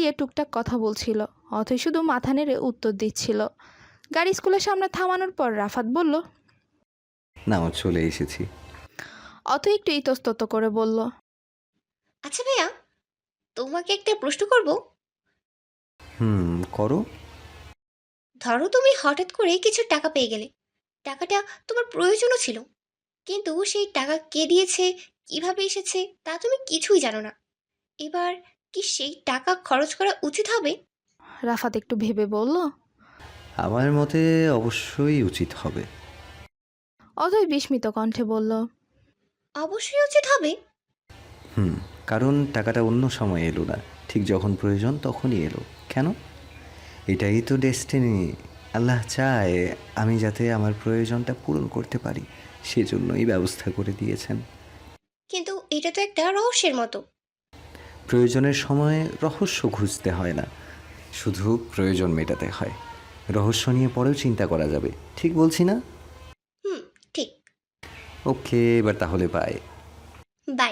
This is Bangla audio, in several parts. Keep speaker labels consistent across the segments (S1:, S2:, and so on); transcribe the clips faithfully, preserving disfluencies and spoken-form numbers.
S1: দাঁড়িয়ে টুকটাক কথা বলছিল। অথই শুধু মাথা নেড়ে উত্তর দিচ্ছিল। গাড়ি স্কুলের সামনে থামানোর পর রাফাত বলল,
S2: না চলে এসেছি।
S1: অথই একটু ইতস্তত করে বলল,
S3: আচ্ছা ভাইয়া, তোমাকে একটা প্রশ্ন করব।
S2: হুম, করো।
S3: ধরো তুমি হঠাৎ করে কিছু টাকা পেয়ে গেলে, টাকাটা তোমার প্রয়োজনও ছিল, কিন্তু সেই টাকা কে দিয়েছে, কিভাবে এসেছে তা তুমি কিছুই জানো না। এবার কি সেই টাকা খরচ করা উচিত হবে?
S1: রাফাত একটু ভেবে বলল,
S2: আমার মতে অবশ্যই উচিত হবে।
S1: অথই বিস্মিত কণ্ঠে বলল,
S3: অবশ্যই উচিত হবে।
S2: হুম, কারণ টাকাটা অন্য সময় এলো না, ঠিক যখন প্রয়োজন তখনই এলো। কেন? এটাই তো ডেস্টিনি। আল্লাহ চায় আমি যাতে আমার প্রয়োজনটা পূরণ করতে পারি, সেজন্যই ব্যবস্থা করে দিয়েছেন।
S3: কিন্তু এটা তো একটা রহস্যের মতো।
S2: প্রয়োজনের সময় রহস্য খুঁজতে হয় না, শুধু প্রয়োজন মেটাতে হয়। রহস্য নিয়ে পরেও চিন্তা করা যাবে, ঠিক বলছি না?
S3: হুম, ঠিক।
S2: ওকে, এবার তাহলে বাই।
S3: বাই।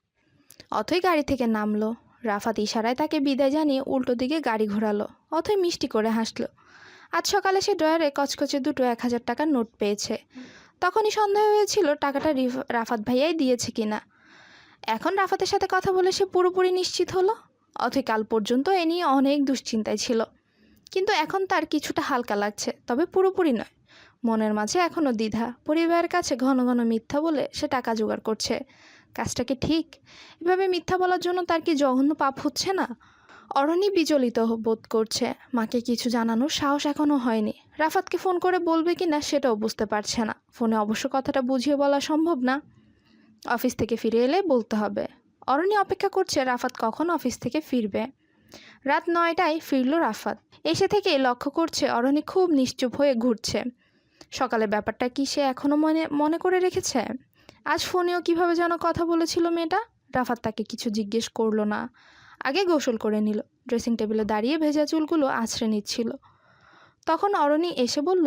S1: অথই গাড়ি থেকে নামলো। রাফাত ইশারায় তাকে বিদায় জানিয়ে উল্টো দিকে গাড়ি ঘোরালো। অথই মিষ্টি করে হাসলো। আজ সকালে সে ড্রয়ারে কচকচে দুটো এক হাজার টাকার নোট পেয়েছে। তখনই সন্দেহ হয়েছিল টাকাটা রাফাত ভাইয়াই দিয়েছে কিনা। এখন রাফাতের সাথে কথা বলে সে পুরোপুরি নিশ্চিত হলো। অথই কাল পর্যন্ত এ নিয়ে অনেক দুশ্চিন্তায় ছিল, কিন্তু এখন তার কিছুটা হালকা লাগছে, তবে পুরোপুরি নয়। মনের মাঝে এখনও দ্বিধা। পরিবারের কাছে ঘন ঘন মিথ্যা বলে সে টাকা জোগাড় করছে। কাজটা কি ঠিক? এভাবে মিথ্যা বলার জন্য তার কি জঘন্য পাপ হচ্ছে না? অরণি বিচলিত বোধ করছে। মাকে কিছু জানানোর সাহস এখনও হয়নি। রাফাতকে ফোন করে বলবে কি না সেটাও বুঝতে পারছে না। ফোনে অবশ্য কথাটা বুঝিয়ে বলা সম্ভব না। অফিস থেকে ফিরে এলে বলতে হবে। অরণি অপেক্ষা করছে রাফাত কখন অফিস থেকে ফিরবে। রাত নয়টায় ফিরল রাফাত। এসে থেকেই লক্ষ্য করছে অরণি খুব নিশ্চুপ হয়ে ঘুরছে। সকালে ব্যাপারটা কি সে এখনও মনে মনে করে রেখেছে? আজ ফোনেও কিভাবে যেন কথা বলেছিল মেয়েটা। রাফাত তাকে কিছু জিজ্ঞেস করলো না। আগে গোসল করে নিল। ড্রেসিং টেবিলে দাঁড়িয়ে ভেজা চুলগুলো আছড়ে নিচ্ছিল। তখন অরণি এসে বলল,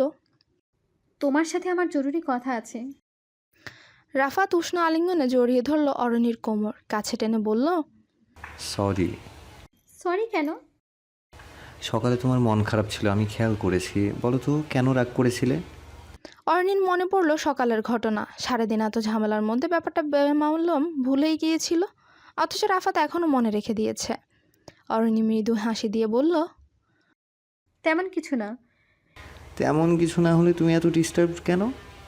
S4: তোমার সাথে আমার জরুরি কথা আছে।
S1: রাফাত উষ্ণ আলিঙ্গনে জড়িয়ে ধরল অরণির কোমর। কাছে টেনে বলল,
S2: সরি।
S4: সরি কেন?
S2: সকালে তোমার মন খারাপ ছিল, আমি খেয়াল করেছি। বলো তো কেন রাগ করেছিলে?
S1: অরণির মনে পড়ল সকালের ঘটনা। সারাদিন এত ঝামেলার মধ্যে ব্যাপারটা বেমালুম ভুলেই গিয়েছিল, অথচ রাফাত এখনও মনে রেখে দিয়েছে। অরণি মৃদু হাসি দিয়ে বলল,
S4: তেমন কিছু না।
S2: তেমন কিছু না হলে তুমি এত ডিস্টার্ব কেন?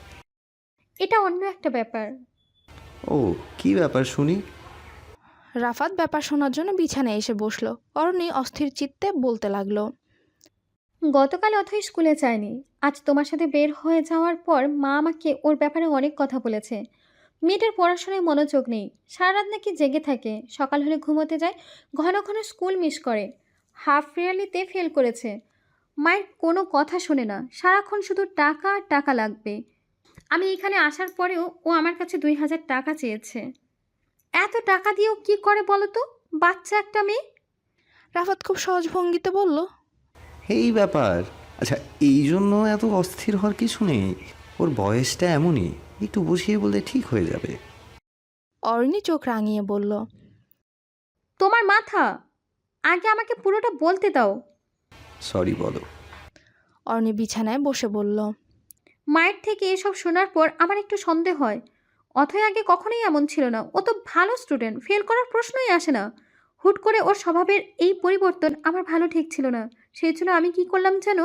S4: এটা অন্য একটা ব্যাপার।
S2: ও, কি ব্যাপার শুনি?
S1: রাফাত ব্যাপার শোনার জন্য বিছানায় এসে বসলো। অরণি অস্থির চিত্তে বলতে লাগলো,
S4: গতকাল অথই স্কুলে যায়নি। আজ তোমার সাথে বের হয়ে যাওয়ার পর মা আমাকে ওর ব্যাপারে অনেক কথা বলেছে। মেয়েটার পড়াশোনায় মনোযোগ নেই, সারা রাত নাকি জেগে থাকে, সকাল হলে ঘুমোতে যায়, ঘন ঘন স্কুল মিস করে, হাফ ইয়ারলিতে ফেল করেছে। মায়ের কোনো কথা শোনে না, সারাক্ষণ শুধু টাকা আর টাকা লাগবে। আমি এখানে আসার পরেও ও আমার কাছে দুই হাজার টাকা চেয়েছে। এত টাকা দিয়েও কি করে বলো তো, বাচ্চা একটা মেয়ে।
S1: রাফাত খুব সহজ ভঙ্গিতে বলল,
S2: এই ব্যাপার? আচ্ছা, এই জন্য এত অস্থির হওয়ার কিছু নেই। ওর বয়সটা এমনই, একটু বুঝিয়ে বললে ঠিক হয়ে যাবে।
S1: অরণি চোখ রাঙিয়ে বলল,
S4: তোমার মাথা, আগে আমাকে পুরোটা বলতে দাও।
S2: সরি বলো।
S1: অরণি বিছানায় বসে বলল,
S4: মায়ের থেকে এসব শোনার পর আমার একটু সন্দেহ হয়। অথয় আগে কখনোই এমন ছিল না, ও তো ভালো স্টুডেন্ট, ফেল করার প্রশ্নই আসে না। হুট করে ওর স্বভাবের এই পরিবর্তন আমার ভালো ঠেকছিল না। সেই জন্য আমি কি করলাম যেন,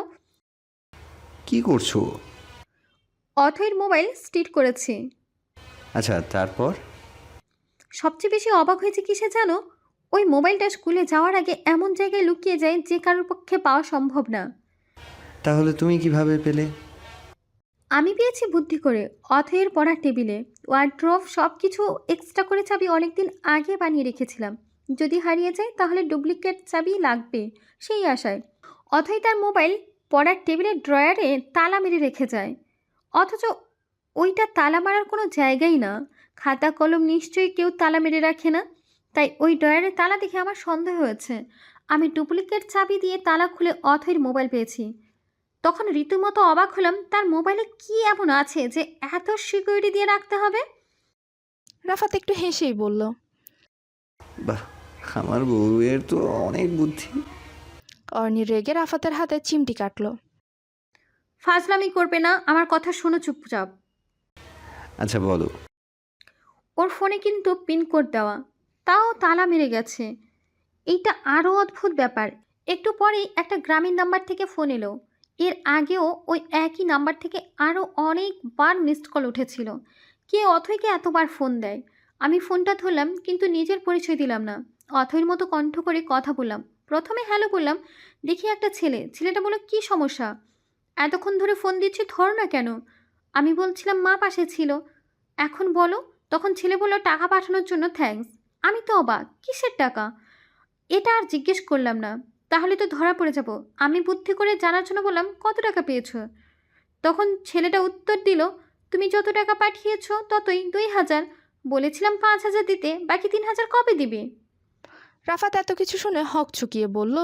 S2: কি করছো?
S4: অথয়ের মোবাইল স্টিট করেছি।
S2: আচ্ছা, তারপর?
S4: সবচেয়ে বেশি অবাক হয়েছে কিসে জানো, ওই মোবাইলটা স্কুলে যাওয়ার আগে এমন জায়গায় লুকিয়ে যায় যে কারোর পক্ষে পাওয়া সম্ভব না।
S2: তাহলে তুমি কিভাবে পেলে?
S4: আমি পেয়েছি বুদ্ধি করে। অথয়ের পড়ার টেবিলে, ওয়ার্ড্রোব, সব কিছু এক্সট্রা করে চাবি অনেকদিন আগে বানিয়ে রেখেছিলাম। যদি হারিয়ে যায় তাহলে ডুপ্লিকেট চাবি লাগবে, সেই আশায়। অথয় তার মোবাইল পড়ার টেবিলের ড্রয়ারে তালা মেরে রেখে যায়, অথচ ওইটা তালা মারার কোনো জায়গাই না। খাতা কলম নিশ্চয়ই কেউ তালা মেরে রাখে না, তাই ওই ড্রয়ারে তালা দেখে আমার সন্দেহ হয়েছে। আমি ডুপ্লিকেট চাবি দিয়ে তালা খুলে অথয়ের মোবাইল পেয়েছি। তখন রীতিমতো অবাক হলাম, তার মোবাইলে কি এমন আছে যে এত সিকিউরিটি দিয়ে রাখতে হবে।
S1: রাফাত একটু হেসেই বলল,
S2: বাহ, আমার বউয়ের তো অনেক বুদ্ধি।
S1: অর্ণি রেগে রাফাতের হাতে চিমটি কাটলো।
S4: ফাজলামি করবে না, আমার কথা শোনো চুপচাপ।
S2: আচ্ছা বলো।
S4: ওর ফোনে কিন্তু পিনকোড দেওয়া, তাও তালা মেরে গেছে। এইটা আরও অদ্ভুত ব্যাপার। একটু পরেই একটা গ্রামীণ নাম্বার থেকে ফোন এলো। এর আগেও ওই একই নাম্বার থেকে আরও অনেকবার মিসড কল উঠেছিল। কে অথৈকে এতবার ফোন দেয়? আমি ফোনটা ধরলাম, কিন্তু নিজের পরিচয় দিলাম না। অথৈর মতো কণ্ঠ করে কথা বললাম। প্রথমে হ্যালো বললাম, দেখি একটা ছেলে। ছেলেটা বলল, কী সমস্যা? এতক্ষণ ধরে ফোন দিচ্ছি, ধরো না কেন? আমি বলছিলাম মা পাশে ছিল। এখন বলো। তখন ছেলে বলল, টাকা পাঠানোর জন্য থ্যাঙ্কস। আমি তো অবাক, কিসের টাকা? এটা আর জিজ্ঞেস করলাম না, তাহলে তো ধরা পড়ে যাব। আমি বুদ্ধি করে জানার জন্য বললাম, কত টাকা পেয়েছো? তখন ছেলেটা উত্তর দিল, তুমি যত টাকা পাঠিয়েছো ততই, দুই হাজার। বলেছিলাম পাঁচ হাজার দিতে, বাকি তিন হাজার কবে দিবে?
S1: রাফাত এত কিছু শুনে হক চুকিয়ে বলল,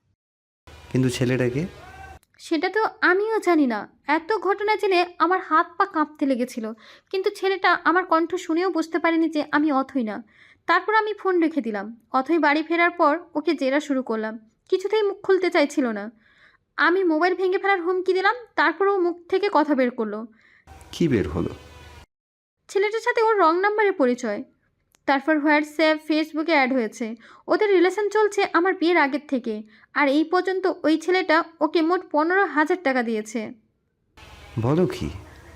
S2: কিন্তু ছেলেটাকে?
S4: সেটা তো আমিও জানি না। এত ঘটনা জেনে আমার হাত পা কাঁপতে লেগেছিল, কিন্তু ছেলেটা আমার কণ্ঠ শুনেও বুঝতে পারেনি যে আমি অথই না। তারপর আমি ফোন রেখে দিলাম। অথই বাড়ি ফেরার পর ওকে জেরা শুরু করলাম। কিছুতেই মুখ খুলতে চাইছিল না। আমি মোবাইল ভেঙে ফেলার হুমকি দিলাম, তারপর ও মুখ থেকে কথা বের করলো।
S2: কি বের হলো?
S4: ছেলেটার সাথে ওর রং নাম্বারে পরিচয়। তারপর হোয়াটসঅ্যাপ, ফেসবুকে অ্যাড হয়েছে। ওদের রিলেশন চলছে আমার বিয়ের আগের থেকে। আর এই পর্যন্ত ওই ছেলেটা ওকে মোট পনেরো হাজার টাকা দিয়েছে।
S2: বলো কি?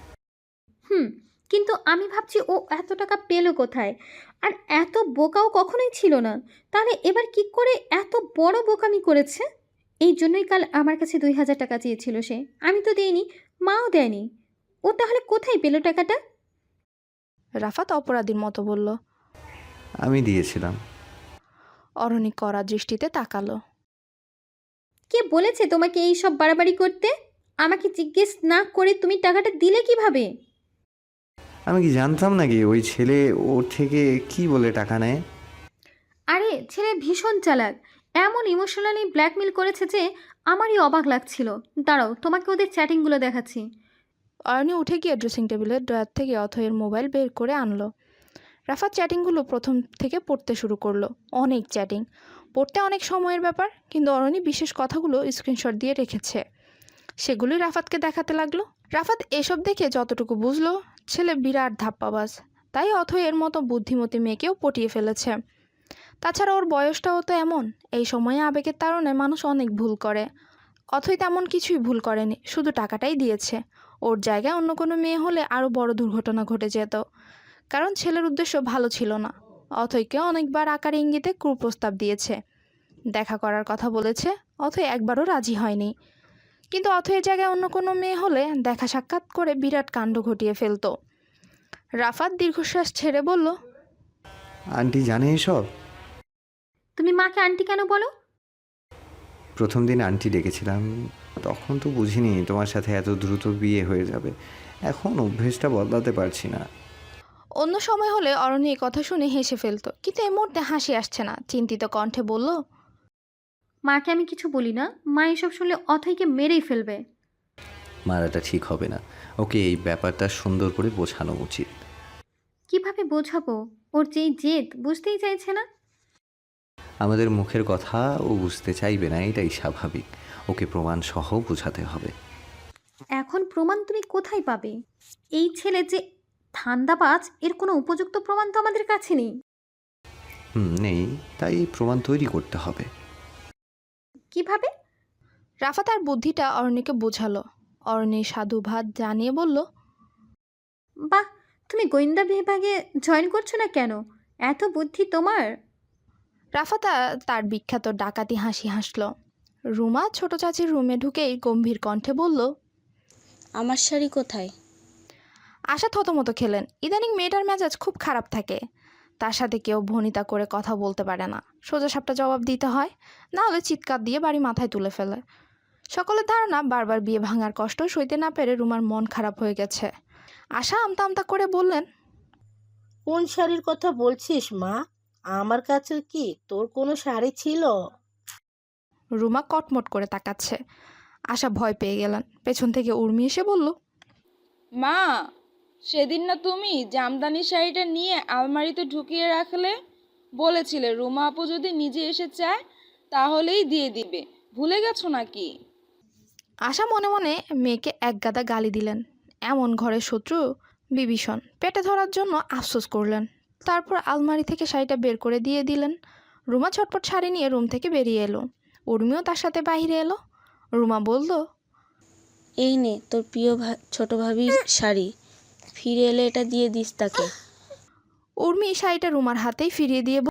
S4: হুম। কিন্তু আমি ভাবছি ও এত টাকা পেলো কোথায়? আর এত বোকাও কখনোই ছিল না। তাহলে এবার কি করে এত বড় বোকামি করেছে? এই জন্যই কাল আমার কাছে দুই হাজার টাকা চেয়েছিল সে। আমি তো দেইনি, মাও দেয়নি। ও তাহলে কোথায় পেলো টাকাটা?
S1: রাফাত অপরাধীর মতো বলল।
S2: আমি দিয়েছিলাম।
S1: অরণি কড়া দৃষ্টিতে তাকালো।
S4: কে বলেছে তোমাকে এই সব বাড়াবাড়ি করতে? আমাকে জিজ্ঞেস না করে তুমি টাকাটা দিলে কিভাবে?
S2: আমি কি জানতাম নাকি ওই ছেলে ওর থেকে কি বলে টাকা নেয়?
S4: আরে ছেলে ভীষণ চালাক। এমন ইমোশনালি ব্ল্যাকমেল করেছে যে আমারই অবাক লাগছিল। দাঁড়াও, তোমাকে ওদের চ্যাটিংগুলো দেখাচ্ছি।
S1: অরণি উঠে গিয়ে ড্রেসিং টেবিলের ড্রয়ার থেকে অথয়ের মোবাইল বের করে আনলো। রাফাত চ্যাটিংগুলো প্রথম থেকে পড়তে শুরু করলো। অনেক চ্যাটিং, পড়তে অনেক সময়ের ব্যাপার, কিন্তু অরণি বিশেষ কথাগুলো স্ক্রিনশট দিয়ে রেখেছে। সেগুলি রাফাতকে দেখাতে লাগলো। রাফাত এসব দেখে যতটুকু বুঝলো, ছেলে বিরাট ধাপ্পাবাজ। তাই অথয়ের মতো বুদ্ধিমতী মেয়েকেও পটিয়ে ফেলেছে। তাছাড়া ওর বয়সটাও তো এমন, এই সময়ে আবেগের তাড়নায় মানুষ অনেক ভুল করে। অথই তেমন কিছুই ভুল করেনি, শুধু টাকাটাই দিয়েছে। ওর জায়গায় অন্য কোনো মেয়ে হলে আরও বড় দুর্ঘটনা ঘটে যেত, কারণ ছেলের উদ্দেশ্য ভালো ছিল না। অথইকে অনেকবার আকার ইঙ্গিতে কুপ্রস্তাব দিয়েছে, দেখা করার কথা বলেছে। অথই একবারও রাজি হয়নি। কিন্তু অথয়ের জায়গায় অন্য কোনো মেয়ে হলে দেখা সাক্ষাৎ করে বিরাট কাণ্ড ঘটিয়ে ফেলতো। রাফাত দীর্ঘশ্বাস ছেড়ে বলল,
S2: আন্টি জানে এসব?
S4: তুমি মাকে আন্টি কেন বলো?
S2: প্রথম দিন আন্টি ডেকেছিলাম, তখন তো বুঝিনি তোমার সাথে এত দ্রুত বিয়ে হয়ে যাবে। এখন অভ্যেসটা বদলাতে পারছি না।
S1: অন্য সময় হলে অরণ্য এই কথা শুনে হেসে ফেলতো, কিন্তু এই মুহূর্তে হাসি আসছে না। চিন্তিত কণ্ঠে বলল,
S4: মাকে আমি কিছু বলি না। মা এসব শুনলে অথৈকে মেরেই ফেলবে।
S2: মারাটা ঠিক হবে না। ওকে এই ব্যাপারটা সুন্দর করে বোঝানো উচিত।
S4: কিভাবে বোঝাবো? ওর যেই জেদ, বুঝতেই চাইছে না।
S2: আমাদের মুখের কথা ও বুঝতে চাইবে না, এটাই স্বাভাবিক। ওকে প্রমাণ সহ বোঝাতে হবে।
S4: এখন প্রমাণ তুমি কোথায় পাবে? এই ছেলে যে ধান্দাবাজ, এর কোনো উপযুক্ত প্রমাণ তো আমাদের কাছে নেই।
S2: হুম, নেই, তাই প্রমাণ তৈরি করতে হবে।
S4: কিভাবে?
S1: রাফা তার বুদ্ধিটা অরণ্যকে বোঝালো। অরণ্যের সাধুবাদ জানিয়ে বলল,
S4: বাহ, তুমি গোয়েন্দা বিভাগে জয়েন করছো না কেন? এত বুদ্ধি তোমার।
S1: রাফা তা- তার বিখ্যাত ডাকাতি হাসি হাসল। রুমা ছোট চাচির রুমে ঢুকেই গম্ভীর কণ্ঠে বলল,
S5: আমার শাড়ি কোথায়?
S1: আশা থতমত খেলেন। ইদানিং মেয়েটার মেজাজ খুব খারাপ থাকে। তার সাথে কেউ ভনিতা করে কথা বলতে পারে না, সোজা সাপটা জবাব দিতে হয়, না হলে চিৎকার দিয়ে বাড়ি মাথায় তুলে ফেলে। সকলের ধারণা বারবার বিয়ে ভাঙার কষ্ট সইতে না পেরে রুমার মন খারাপ হয়ে গেছে। আশা আমতা আমতা করে বললেন,
S6: কোন শাড়ির কথা বলছিস মা? আমার কাছে কি তোর কোনো শাড়ি ছিল?
S1: রুমা কটমট করে তাকাচ্ছে। আশা ভয় পেয়ে গেলেন। পেছন থেকে উর্মি এসে বলল,
S5: মা, সেদিন না তুমি জামদানি শাড়িটা নিয়ে আলমারিতে ঢুকিয়ে রাখলে? বলেছিলে রুমা আপু যদি নিজে এসে চায় তাহলেই দিয়ে দিবে, ভুলে গেছো নাকি?
S1: আশা মনে মনে মেয়েকে এক গাদা গালি দিলেন। এমন ঘরের শত্রু বিভীষণ পেটে ধরার জন্য আফসোস করলেন। তারপর আলমারি থেকে শাড়িটা বের করে দিয়ে দিলেন। রুমা ছটপট শাড়ি নিয়ে রুম থেকে বেরিয়ে এলো। উর্মিও তার সাথে বাইরে এলো। রুমা বলল,
S5: এই নে তোর প্রিয় ভা ছোট ভাবির শাড়ি, ফিরে এলে এটা দিয়ে দিস তাকে।
S1: উর্মি শাড়িটা রুমার হাতেই ফিরিয়ে দিয়ে